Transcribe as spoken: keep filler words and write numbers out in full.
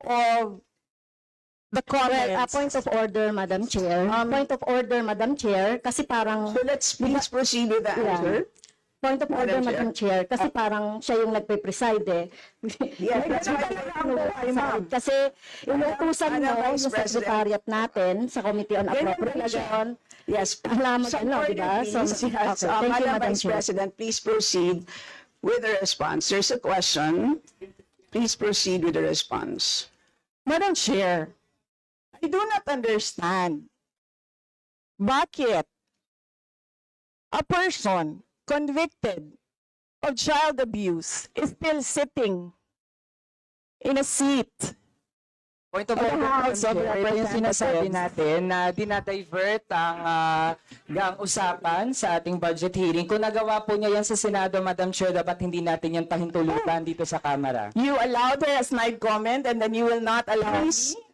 of the Well, comments. a point of order, Madam Chair. Um, point of order, Madam Chair, kasi parang So let's please proceed with the Yeah. answer. point of order, Madam Madam Chair, kasi parang siya yung nagpe-preside eh. Yes, that's why Ano, ay, ma'am. Kasi inutusan mo Madam Vice yung President. secretariat natin sa Committee on Ganyan Appropriation. Yes. Alam mo So, din, no, order, di ba? So, please. okay, Yes. thank Uh, you, Madam Madam Vice Chair. President, please proceed with the response. There's a question. Please proceed with the response. Madam Chair, I do not understand bakit a person convicted of child abuse is still sitting in a seat. Point of Of the order, House Madam of Chair, ito yung Representatives. sinasabi natin na dinadivert ang, ah, ang usapan sa ating budget hearing. Kung nagawa po niya yan sa Senado, Madam Chair, dapat hindi natin yan pahintulutan dito sa Kamara. You allowed her a snide comment and then you will not allow Please, me